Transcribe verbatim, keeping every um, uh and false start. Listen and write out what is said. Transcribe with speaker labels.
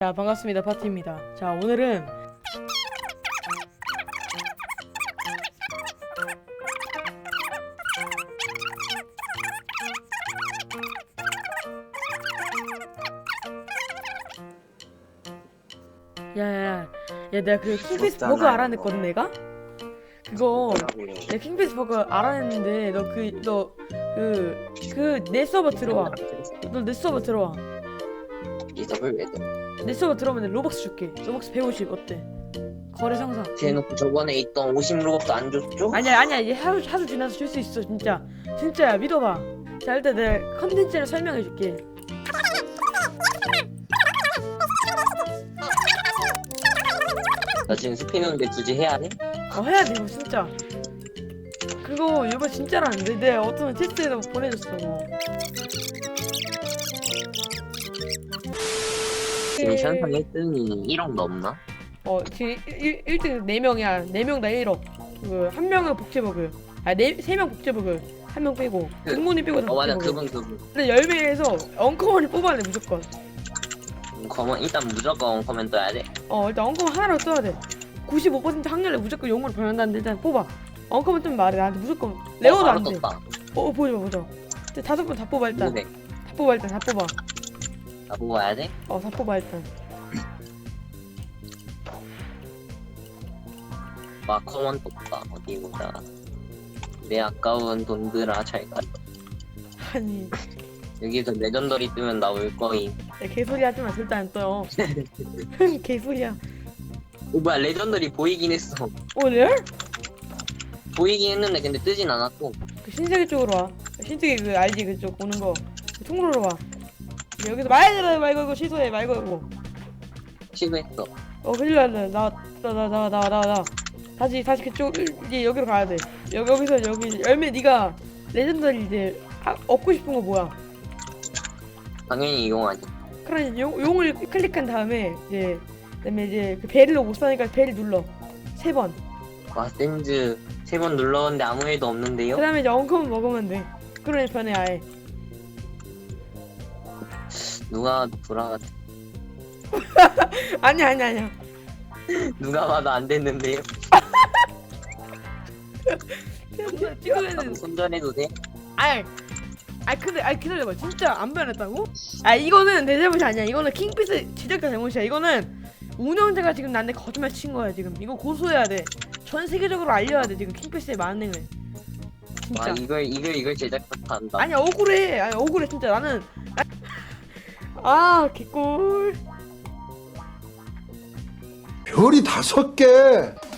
Speaker 1: 자, 반갑습니다. 파티입니다. 자, 오늘은 야야야, 야, 내가 그 킹피스 버그 알아냈거든. 내가 그거 내가 킹피스 버그 알아냈는데 너 그 너 그 그 내 서버 들어와. 너 내 서버 들어와.
Speaker 2: 이 서버를 왜 돼?
Speaker 1: 내 서버 들어오면 내가 로벅스 줄게. 로벅스 백오십 어때? 거래 상상.
Speaker 2: 대놓고 저번에 있던 오십 로벅도 안 줬죠?
Speaker 1: 아니야 아니야, 이제 하루 하루 지나서 줄 수 있어. 진짜 진짜야, 믿어봐. 자, 일단 내가 컨텐츠를 설명해줄게.
Speaker 2: 나 지금 스피너인데 굳이 해야 돼?
Speaker 1: 어, 해야 돼 이거 진짜. 그거 이거 진짜라는데 내가 어떤 테스트에서 보내줬어.
Speaker 2: 지금 현상 일 등이 일억 넘나?
Speaker 1: 어, 지금 일 등 네 명이야. 네 명 다 일억. 그 한 명은 복제버그. 아, 네 세 명 복제버그. 한 명 빼고.
Speaker 2: 그-
Speaker 1: 등문이 빼고 다
Speaker 2: 어 맞아
Speaker 1: 복제버그.
Speaker 2: 그분 그분
Speaker 1: 근데 열매에서 엉커먼을 뽑아내 무조건.
Speaker 2: 커먼 일단 무조건 커먼 떠야 돼.
Speaker 1: 어, 일단 엉커먼 하나로 써야 돼. 구십오 퍼센트 확률로 무조건 용으로 변한다는데 일단 뽑아. 엉커먼 좀 말해. 나한테 무조건 레어도
Speaker 2: 어, 바로
Speaker 1: 안 돼.
Speaker 2: 떴다.
Speaker 1: 어, 어, 보자 보자. 이제 다섯 번 다 뽑아 일단.
Speaker 2: 근데
Speaker 1: 다 뽑아 일단 다 뽑아.
Speaker 2: 나 보고 와야 돼?
Speaker 1: 어, 다 뽑아 일단.
Speaker 2: 와 커먼 떴다. 어디 보자. 내 아까운 돈들아 잘 가.
Speaker 1: 아니,
Speaker 2: 여기서 레전더리 뜨면 나 올 거임.
Speaker 1: 야, 개소리 하지 마. 절대 안 떠요. 개소리야.
Speaker 2: 오 뭐야 레전더리 보이긴 했어.
Speaker 1: 오늘?
Speaker 2: 보이긴 했는데 근데 뜨진 않았고.
Speaker 1: 그 신세계 쪽으로 와. 신세계 그 알지, 그쪽 오는 거. 그 통로로 와. 여기서 말고 말고 이거 취소해 말고 이거.
Speaker 2: 시도했어.
Speaker 1: 어, 큰일 났네. 나나나나나나 다시 다시 그쪽 이제 여기로 가야 돼. 여기 여기서 여기 열매 네가 레전더리 이제 하, 얻고 싶은 거 뭐야?
Speaker 2: 당연히 이용하지.
Speaker 1: 그러니 용 용을 클릭한 다음에 이제 그다음에 이제 그 벨로 못 사니까 벨 눌러 세 번.
Speaker 2: 와 센즈 세 번 눌렀는데 아무 일도 없는데요?
Speaker 1: 그다음에 이제 엉컴 먹으면 돼. 그러니 변해 아예.
Speaker 2: 누가 돌아갔
Speaker 1: 아니야 아니야 아니야.
Speaker 2: 누가 봐도 안 됐는데요?
Speaker 1: 찍으면은
Speaker 2: 손절해도 돼?
Speaker 1: 아이 아이 근데 아이 기다려봐. 진짜 안 변했다고? 아, 이거는 내 잘못이 아니야. 이거는 킹피스 제작자 잘못이야. 이거는 운영자가 지금 나한테 거짓말 친 거야. 지금 이거 고소해야 돼. 전 세계적으로 알려야 돼. 지금 킹피스의 만행을. 진짜.
Speaker 2: 와 이걸 이걸 이걸 제작자 한다.
Speaker 1: 아니야, 억울해. 아니 억울해 진짜. 나는 아 개꿀.
Speaker 3: 별이 다섯 개.